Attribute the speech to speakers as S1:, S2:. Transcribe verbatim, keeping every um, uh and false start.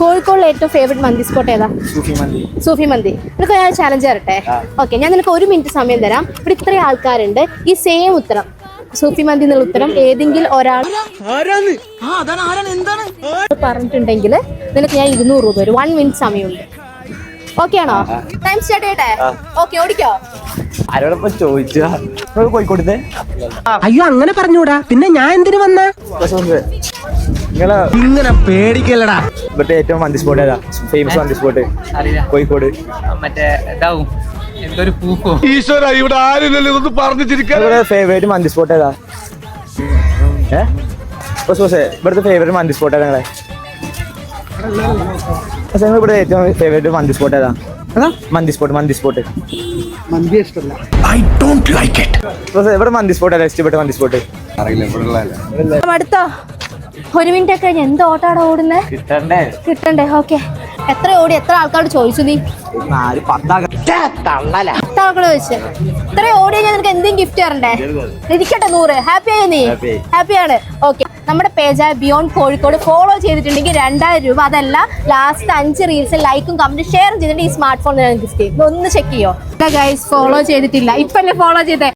S1: കോഴിക്കോടിലെ ഏറ്റവും ഫേവറേറ്റ് മന്തി സ്പോട്ട് ഏതാ?
S2: സൂഫി മന്തി.
S1: സൂഫി മന്തി. നിനക്ക് ഞാൻ ചാലഞ്ച് തരട്ടെ? ഓക്കെ, ഞാൻ നിനക്ക് ഒരു മിനിറ്റ് സമയം തരാം. ഇവിടെ ഇത്രയും ആൾക്കാരുണ്ട്, ഈ സെയിം ഉത്തരം സൂഫി മന്തി എന്നുള്ള ഉത്തരം ഏതെങ്കിലും ഒരാൾ പറഞ്ഞിട്ടുണ്ടെങ്കിൽ നിനക്ക് ഞാൻ ഇരുന്നൂറ് രൂപ വരും. വൺ മിനിറ്റ് സമയമുണ്ട്. ഓക്കെ ആണോ? ടൈം സ്റ്റാർട്ട് ചെയ്യട്ടെ? ഓക്കെ, ഓടിക്കോ.
S2: ആരോടൊപ്പം ചോദിച്ചാ കോഴിക്കോട്ടത്തെ?
S3: അയ്യോ, അങ്ങനെ പറഞ്ഞൂടാ. പിന്നെ ഞാൻ എന്തിനു വന്ന?
S2: നിങ്ങളെ
S3: ഇങ്ങനെ പേടിക്കല്ലടാ.
S2: ഇവിടുത്തെ ഏറ്റവും മന്തി സ്പോട്ട് ഏതാ? ഫേമസ് മന്തി സ്പോട്ട് കോഴിക്കോട്.
S4: മറ്റേ ഇതാവും എന്തൊരു പൂക്കോ.
S5: ഈശ്വര, ഇവിടെ ആരില്ലല്ലോ ഇതൊന്നും പറഞ്ഞു ചിരിക്കാൻ.
S2: ഫേവറേറ്റ് മന്തി സ്പോട്ട് ഏതാ? ഏഹ് ഇവിടുത്തെ ഫേവറേറ്റ് മന്തി സ്പോട്ട് ഏതാ നിങ്ങളെ? ഇവിടെ ഏറ്റവും ഫേവറേറ്റ് മന്തി സ്പോട്ട് ഏതാ? മന്തി സ്പോട്ട് മന്തി സ്പോട്ട്
S3: മന്തി ഇഷ്ടമല്ല.
S5: I don't like it.
S2: ഇവിടെ മന്തി സ്പോട്ട് ഏതാ ഇഷ്ടപ്പെട്ട മന്തി സ്പോട്ട്?
S1: അടുത്തോ? ഒരു മിനിറ്റ് ഒക്കെ കഴിഞ്ഞ് എന്ത് ഓട്ടാടാ ഓടുന്നേ?
S2: കിട്ടണ്ടേ?
S1: കിട്ടണ്ടേ? ഓക്കെ, എത്ര ഓടി? എത്ര ആൾക്കാരോട് ചോദിച്ചു നീ? പത്താൾക്കാട് ചോദിച്ചു. ഇത്ര ഓടി കഴിഞ്ഞാൽ നിനക്ക് എന്തെങ്കിലും ഗിഫ്റ്റ് തരണ്ടേ? ഇരിക്കട്ടെ നൂറ്. ഹാപ്പി ആയി നീ? ഹാപ്പിയാണ്. ഓക്കെ, നമ്മുടെ പേജായ ബിയോണ്ട് കോഴിക്കോട് ഫോളോ ചെയ്തിട്ടുണ്ടെങ്കിൽ രണ്ടായിരം രൂപ. അതല്ല, ലാസ്റ്റ് അഞ്ച് റീൽസ് ലൈക്കും കമന്റും ഷെയർ ചെയ്തിട്ടുണ്ടെങ്കിൽ ഈ സ്മാർട്ട് ഫോൺ ഗിഫ്റ്റ് ചെയ്യും. ഒന്ന് ചെക്ക് ചെയ്യോ ഗൈസ്? ഫോളോ ചെയ്തിട്ടില്ല, ഇപ്പല്ലേ ഫോളോ ചെയ്തേ.